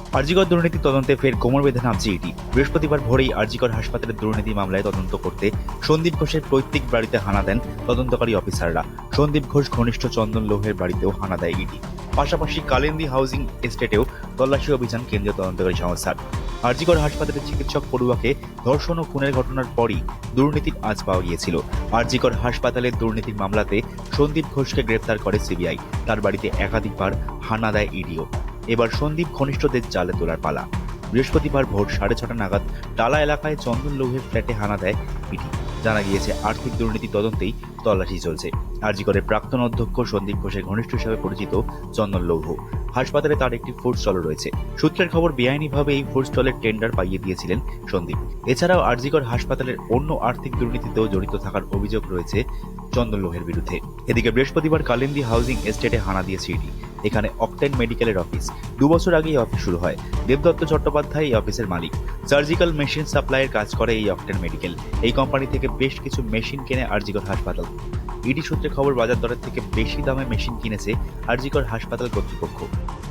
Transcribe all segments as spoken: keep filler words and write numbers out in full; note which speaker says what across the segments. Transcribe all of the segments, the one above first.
Speaker 1: আরজিকর দুর্নীতি তদন্তে ফের কোমর বেঁধে নামছে ইডি। বৃহস্পতিবার ভোরেই আরজিকর হাসপাতালের দুর্নীতি মামলায় তদন্ত করতে সন্দীপ ঘোষের পৈতৃক বাড়িতে হানা দেন তদন্তকারী অফিসাররা। সন্দীপ ঘোষ ঘনিষ্ঠ চন্দন লোহের বাড়িতেও হানা দেয় ইডি। পাশাপাশি কালিন্দী হাউজিং এস্টেটেও তল্লাশি অভিযান কেন্দ্রীয় তদন্তকারী সংস্থার। আরজিকর হাসপাতালের চিকিৎসক পড়ুয়াকে ধর্ষণ ও খুনের ঘটনার পরই দুর্নীতির আঁচ পাওয়া গিয়েছিল। আরজিকর হাসপাতালের দুর্নীতির মামলাতে সন্দীপ ঘোষকে গ্রেপ্তার করে সিবিআই। তার বাড়িতে একাধিকবার হানা দেয় ইডিও। এবার সন্দীপ ঘনিষ্ঠদের জালে তোলার পালা। বৃহস্পতিবার ভোর সাড়ে ছটা নাগাদ টালা এলাকায় চন্দন লৌহের ফ্ল্যাটে হানা দেয় ইডি। জানা গিয়েছে, আর্থিক দুর্নীতি তদন্তেই তল্লাশি চলছে। আরজিকরের প্রাক্তন অধ্যক্ষ সন্দীপ ঘোষের ঘনিষ্ঠ হিসেবে পরিচিত চন্দন লৌহ। হাসপাতালে তার একটি ফুড স্টলও রয়েছে। সূত্রের খবর, বেআইনিভাবে এই ফুড স্টলের টেন্ডার পাইয়ে দিয়েছিলেন সন্দীপ। এছাড়াও আরজিকর হাসপাতালের অন্য আর্থিক দুর্নীতিতেও জড়িত থাকার অভিযোগ রয়েছে চন্দন লোহের বিরুদ্ধে। এদিকে বৃহস্পতিবার কালিন্দী হাউজিং এস্টেটে হানা দিয়েছে ইডি। এখানে অকটেন মেডিকেলের অফিস। দু বছর আগে এই অফিস শুরু হয়। দেবদত্ত চট্টোপাধ্যায় এই অফিসের মালিক। সার্জিক্যাল মেশিন সাপ্লাইয়ের কাজ করে এই অকটেন মেডিকেল। এই কোম্পানি থেকে বেশ কিছু মেশিন কেনে আরজিকর হাসপাতাল। ইডি সূত্রে খবর, বাজার দরের থেকে বেশি দামে মেশিন কিনেছে আরজিকর হাসপাতাল কর্তৃপক্ষ।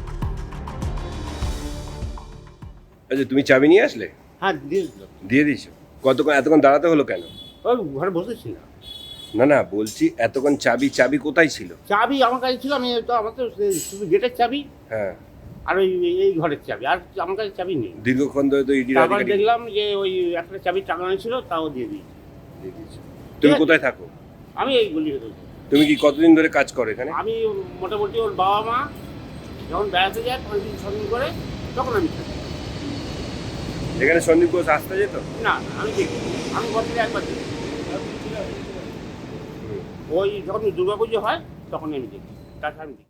Speaker 2: আচ্ছা, তুমি চাবি নিয়ে আসলে?
Speaker 3: হ্যাঁ, দিয়ে দিলাম।
Speaker 2: দিয়ে দিয়েছো? কতক্ষণ এতক্ষণ দাঁড়াতে হলো কেন?
Speaker 3: ওই ঘরে বসেছি না।
Speaker 2: না না, বলছি এতক্ষণ চাবি চাবি কোথায় ছিল?
Speaker 3: চাবি আমার কাছে ছিল, আমি তো আমার তো শুধু গেটের চাবি
Speaker 2: হ্যাঁ,
Speaker 3: আর ওই এই ঘরের চাবি, আর আমার কাছে চাবি নেই।
Speaker 2: দীর্ঘক্ষণ ধরে তো ইডি
Speaker 3: তারপর
Speaker 2: আধিকারিক
Speaker 3: দেখলাম যে ওই একটা চাবি টাঙানো ছিল, তাও দিয়ে দিয়েছি।
Speaker 2: দিয়ে দিয়েছে। তুমি কোথায় থাকো?
Speaker 3: আমি এই গলি ভেতর।
Speaker 2: তুমি কি কতদিন ধরে কাজ করো এখানে?
Speaker 3: আমি মোটামুটি ওর বাবা মা যখন বেড়াতে যায় পাঁচ দিন ছ দিন করে, তখন আমি থাকি।
Speaker 2: এখানে সন্দীপ ঘোষ আসতে যেত?
Speaker 3: না না, আমি দেখি, আমি বছরে একবার দেখি। ওই যখন দুর্গা পুজো হয় তখন আমি দেখি, তাছাড়া আমি দেখি।